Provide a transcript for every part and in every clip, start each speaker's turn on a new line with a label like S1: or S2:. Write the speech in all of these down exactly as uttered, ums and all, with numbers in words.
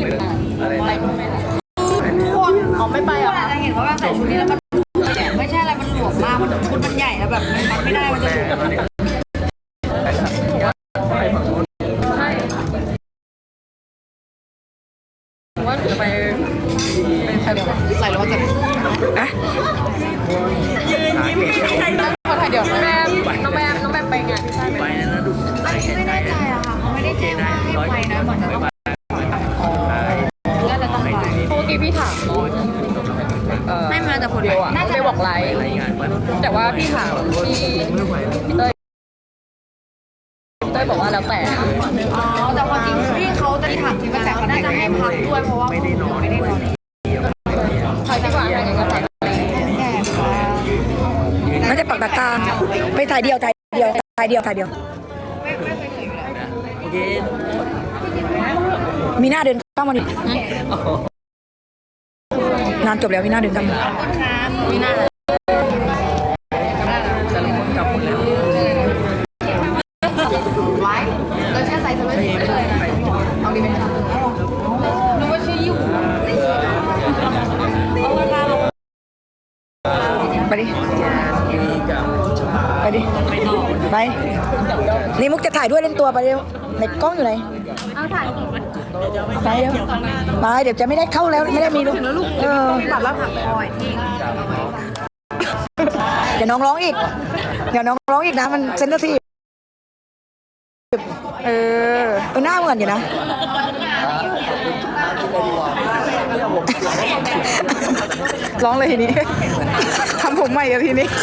S1: อะไรไปพวกไหนล่ะพวกอ๋อไม่ไปอ่ะจะเห็นว่าแบบใส่ชุดนี้แล้วมันไม่ใช่อะไรมันหลวมมากมันชุดมันใหญ่แล้วแบบมันมัดไม่ได้มันจะหลวมว่าจะไปเป็นใครใส่แล้วมันจะอะยืนยิ้มใครตั้งมาถ่ายเดี๋ยวแม่น้องแม่น้องแม่ไปงานไปนะดูอันนี้ไม่แน่ใจอะค่ะเขาไม่ได้แจ้งว่าให้ไปนะเหมือนจะต้องน่าจะต้องไปเมื่อกี้พี่ถามน้องไม่มาแต่คนเดียวอะไปบอกไลฟ์แต่ว่าพี่ถามพี่พี่เต้ยพี่เต้ยบอกว่าแล้วแต่อ๋อแต่ความจริงพี่เขาจะถามที่ว่าแต่เขาน่าจะให้พักด้วยเพราะว่าไม่ได้นอนไม่ได้นอนใครจะว่าอะไรก็ใส่
S2: ไม่ได้ปักตะกร้าไปถ่ายเดียวถ่ายเดียวถ่ายเดียวถ่ายเดียวมีหน้าเดินเข้ามาดิงานจบแล้วมีหน้าเดินเข้ามา
S1: มีหน้าไว้เราแช่ใส่สมัยนี้เลยเอาดีไหมคะนึกว่าชื่ออยู่
S2: ไปดิไปดิไปนี่มุกจะถ่ายด้วยเล่นตัวไปเร็วในกล้องอยู่ไหน
S1: เอาถ่าย
S2: ไปเดี๋ยวไปเดี๋ยวจะไม่ได้เข้าแล้วไม่ได้มีลูกเออ
S1: ตัดแล้วผักคอยทิ้ง
S2: เดี๋ยวน้องร้องอีกเดี๋ยวน้องร้องอีกนะมันเซนเซอร์ทีฟเออเออหน้าเหมือนอยู่นะร้องเลยทีนี้ทำผมใหม่กับทีนี้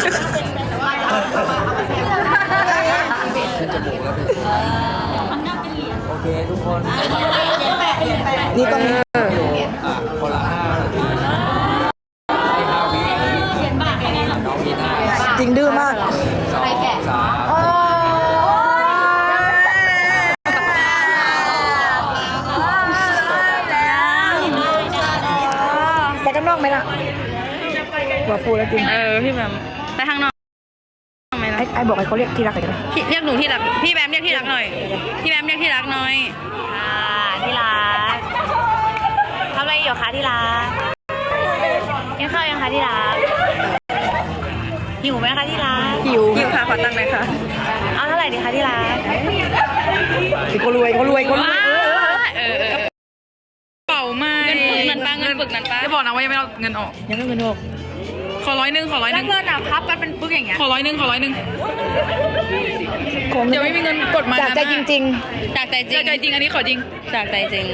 S3: โอเคทุกคน
S2: นี่ต้อง
S3: คนละห้าให้ห้าวิน้องมีห้า
S2: จริงดื้อมาก
S3: สองสาม
S2: ไปข้างนอกไหมล่ะหัวฟูแล้วจริง
S1: เออพี่แบมไปข้างนอกไหมล่ะ
S2: ไอ้ไอ้บอกให้เขาเรียกที่รักหน่อยได้ไหม
S1: เรียกหนูที่รักพี่แบมเรียกที่รักหน่อยพี่แบมเรียกที่รักหน่อยอ่าที่รักทำอะไรอยู่คะที่รักกินข้าวยังคะที่รักหิวไหมคะที่รัก
S2: หิว
S1: หิวค่ะขอตังค์หน่อยค่ะเอาเท่าไหร่ดีคะที่รัก
S2: เขารวยเขารวยเขารวย
S1: เออเป่าไม่เงินปึกนั้นป้าเงินปึกนั้นป้าจะบอกนะว่ายังไม่เอาเงินออก
S2: ยังไม่เงินออก
S1: ขอร้อยหนึ่งขอร้อยหนึ่งเงินอ่ะพับกันเป็นปึกอย่างเงี้ยขอร้อยหนึ่งขอร้อยหนึ่งเดี๋ยวไม่มีเงินกดมา
S2: จากใจจริง
S1: ๆจากใจจริงจากใจจริงอันนี้ขอจริงจากใจจริง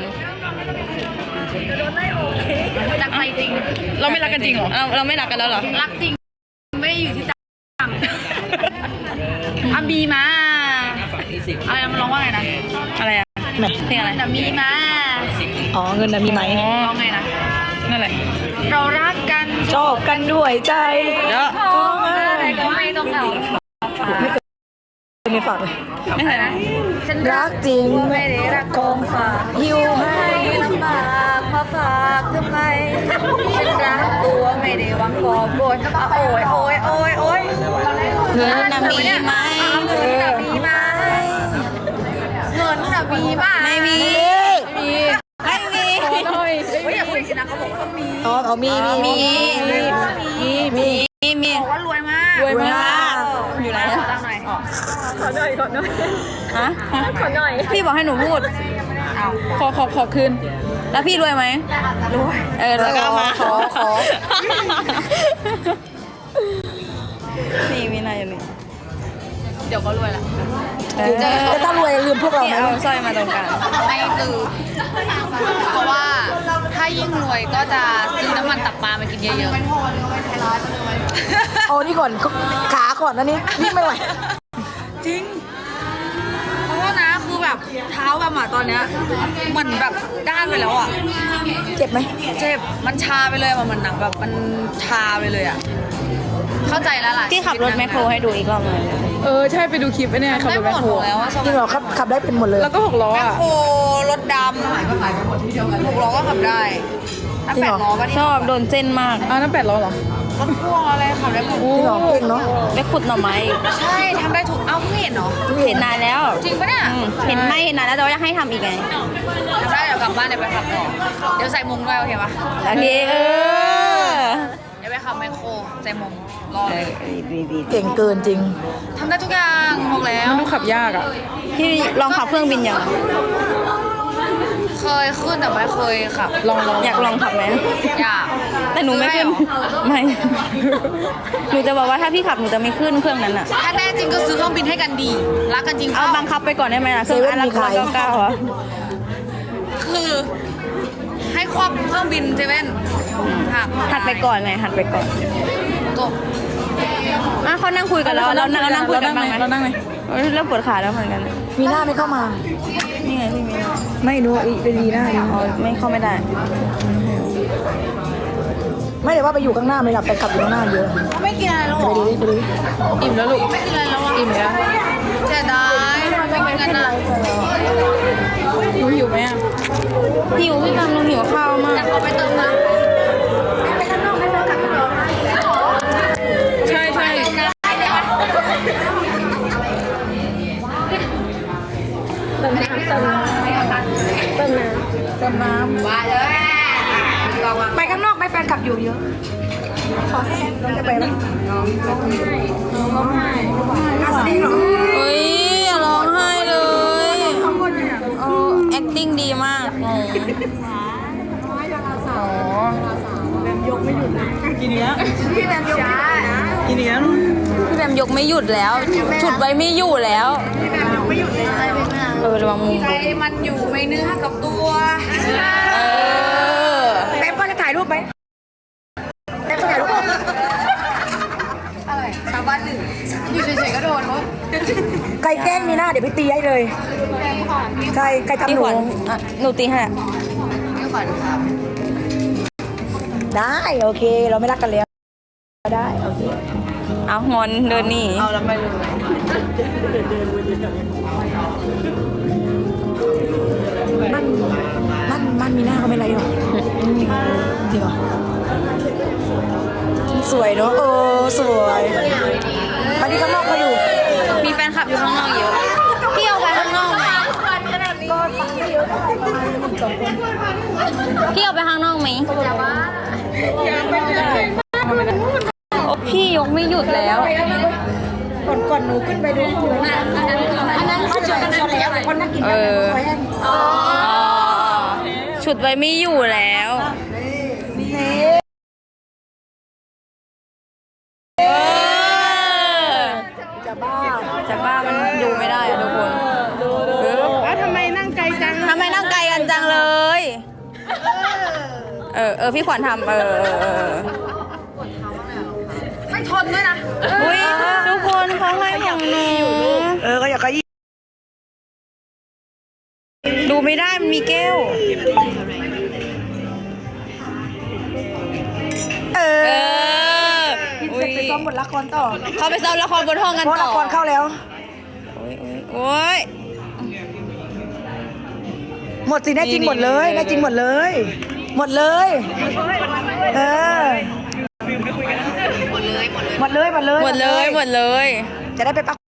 S1: จากใจจริงเราไม่รักกันจริงเหรอเราเราไม่รักกันแล้วเหรอรักจริงไม่ได้อยู่ที่ตังค์อ่ะมีมาอะไรมันร้องว่าไงนะอะไรอ่ะเพลงอะไรแต่มีมา
S2: อ๋อเงินนะมีไหม
S1: ร้องไงนะนั่นแหละเรารักกัน
S2: ชอบกันด้วยใจ
S1: เยอะอะไรก็ไม่ต้องเอา
S2: ไม่เคยไม่ฝากเลย
S1: ไม่เคยนะฉัน
S2: รักจริง
S1: ไม่ได้รักของฝาก
S2: หิวให้
S1: ลำบากมาฝากทำไมฉันรักตัวไม่ได้หวังกอบโกยโอ้ยโอ้ยโอ้ยโอ้ยเงินน่ะมีไหมเงินน่ะมีไหมเงินน่ะมีไหมไม่มีมีไม่มีไม่อยากพูดสินะเขาบอกว่ามี
S2: อ๋อเขามีมี
S1: มี
S2: มีมี
S1: มีมีบอกว่ารวยมาก
S2: รวยมาก
S1: อยู่ไหนขอหน่อยขอหน่อยขอหน่อยฮะขอหน่อยพี่บอกให้หนูพูดขอขอขอคืนแล้วพี่รวยไหมรวยเออแล้วก็มา
S2: ขอขอ
S1: นี่มีอะไรอยู่นี่เดี๋ยวก็รวยละ
S2: จะต้องรวยลืมพวกเราไหม
S1: เอาสร้อยมาตรงกลางไม่ลืมเพราะว่าถ้ายิ่งรวยก็จะซื้อน้ำมันตับปลามากินเยอะ
S2: ๆโอ้นี่ก่อนขาก่อนนะนี่นี่ไม่ไหว
S1: จริงเพราะว่านะคือแบบเท้าแบบอ่ะตอนเนี้ยมันแบบด้านไปแล้วอ่ะ
S2: เจ็บไหม
S1: เจ็บมันชาไปเลยมันหนังแบบมันชาไปเลยอ่ะเข้าใจแล้วล่ะที่ขับรถแมคโครให้ดูอีกรอบนึง
S4: เออใช่ไปดูคลิปไอ้เนี่ยขับรถแมคโคร
S1: แล้ว
S2: จริงเหรอครับขับได้เป็นหมดเลย
S4: แล้วก็หกล้อ
S1: แมคโครรถดำหกล้อก็ขับได้ถ้าแปดล้อก็
S4: ชอบโดนเส้นมาก
S1: อ่ะ
S4: นั่นแปดล้อเหรอ
S5: รถพ่วงอะไรขับได้หมด
S2: ที่หลอกเก่งเนาะ
S1: ไปขุดหน่อไม้
S5: ใช่ทำได้ถูกเอ้าเพิ่งเห็นเหรอ
S1: เห็นนานแล้ว
S5: จริงปะเนี่ย
S1: อืมเห็นไม่เห็นนานแล้วแต่ว่าอยากให้ทำอีกไง
S5: ทำได้เดี๋ยวกลับบ้านเดี๋ยวไปขับต่อเดี๋ยวใส่มุงด้วยโอเคปะ
S1: โอเคเออ
S5: เดี๋ยวไปขับไมโครใส่มุงรอเลย
S2: เก่งเกินจริง
S5: ทำได้ทุกอย่างบอกแล้ว
S4: มันดูขับยากอ่ะ
S1: พี่ลองขับเครื่องบินยัง
S5: เคยขึ้นแต่ไม่เคยขับ
S4: ลองลอง
S1: อยากลองขับไหม
S5: อยาก
S1: แต่หนูไม่ขึ้น
S5: ซื้อให้เหรอ
S1: ไม่ หนูจะบอกว่าถ้าพี่ขับหนูจะไม่ขึ้นเครื่องนั้นอ่ะ
S5: ถ้าแน่จริงก็ซื้อเครื่องบินให้กันดี รักกันจริง
S1: เอา
S5: เปล่า
S1: บังคับไปก่อนได้ไหมล่ะเครื่องอันละ
S2: เซเว่นมี
S1: ร้อย
S2: ขาย
S1: เก้าเก้าอ่ะ
S5: คือ ให้ครอบเครื่องบินเซเว่นหัก
S1: หัดไปก่อนไงหัดไปก่อน
S5: จบ
S1: อ่ะเขานั่งคุยกันแล้วเรานั่งนั่งคุยกันบ้างไหม
S4: เรานั่งไหม
S1: เออเริ่มปวดขาแล้วเหมือนกัน
S2: มีหน้าไม่เข้ามา
S1: นี่ไงพี่มี
S2: ไม่รู้อีเป็นดีหน้าดี
S1: อ๋อไม่เข้าไม่ได้
S2: ไม่ได้ว่าไปอยู่ข้างหน้าไม่หลับแฟนคลับอยู่ข้างหน้าเยอะ
S5: ไม่กินอะไรแล้วหร
S2: ไป
S5: อ
S2: ดูดิไปดูดิ
S4: อิ่มแล้วลูก
S5: ไม่กินอะไรแล้วอ่ะ
S4: อิ่มแล้ว
S5: เสียดายไม่กินกันอ่ะ
S4: หนูหิวไหมอ่ะ
S1: หิวพี่กำลังหิวข้าวมาก
S5: แต่ขอไปเติมน้ำ
S4: ใช่ใช่
S5: ว่าเลย
S2: ไปข้างนอกไปแฟนคลับอยู่เยอะขอแห้งจะไปไหมร้องไห้ร้องไห้เหรอ
S1: เฮ้ยอย่าร้องไห้เลยเออ acting ดีมากงง
S4: กินเนี้ยกินเนี้ยกินเนี้ย
S1: พี่แบมยกไม่หยุดแล้ว ฉุดไว้ไม่อยู่แล้วเออระวังมุม
S5: ใจมันอยู่ไม่เนื้อกับตัว
S1: เออ
S2: แป๊บก็จะถ่ายรูปไหมแป๊บจะถ่ายรูป
S5: อะไรชาวบ้านหนึ่งอยู่เฉยๆก็โดนเขา
S2: ใครแกล้งมีหน้าเดี๋ยวไปตีให้เลย ใช่ใครทำ
S1: พี่
S2: หนู
S1: ขวัญอ่ะหนูตีให้อะ
S5: พี่ขวัญครับ
S2: ได้โอเค เราไม่รักกันแล้วได้โอเค
S1: เอางอนเดินหนี
S5: เอาแล้วไปเลย
S2: มันมันมันมีหน้าก็ไม่ไรหรอกจริงเหรอสวยเนอะเออสวยวันนี้ข้างนอกเขาอยู่
S1: มีแฟนคลับอยู่ข้างนอกเยอะพี่เอาไปข้างนอกไหมพี่เอาไปข้างนอกไหมโอ้พี่ยกไม่หยุดแล้ว
S2: ก่อนก่อนหนูขึ้นไปดูอันนั้นเขาจุดกันแล้วคนนั่งกิน
S1: เอ
S2: กัน
S1: อ
S2: ไว้ให้
S1: อ๋อฉุดไว้ไม่อยู่แล้วเออ
S2: จะบ้า
S1: จากบ้านมันดูไม่ได้อะทุกคนเออ
S4: แล้วทำไมนั่งไกลจัง
S1: ทำไมนั่งไกลกันจังเลย เออ เออ พี่ขวัญทำเออเออเออ
S5: ไม่ทนด้วยนะ
S1: อุ้ยทุกคนเขาให้ของหนู
S2: เออก็อยากขยี้
S1: ดูไม่ได้มันมีแก้ว
S2: เอ
S1: เอ
S2: อ
S1: อ
S2: กิน
S1: อุ้
S2: เสร็
S1: ย
S2: จไปซ้อมบทละครต่อ
S1: เขาไปซ้อมละครบนห้องกัน
S2: เพราะ
S1: ต่
S2: ละ
S1: อ
S2: ครเข้าแล้ว
S1: โอ้ยโอ้ย
S2: หมดสิได้จริงหมดเลยได้จริงหมดเลย หมดเลย เออ หมดเลยหมดเลย
S1: หมดเลยหมดเลย
S2: จะได้ไปปัก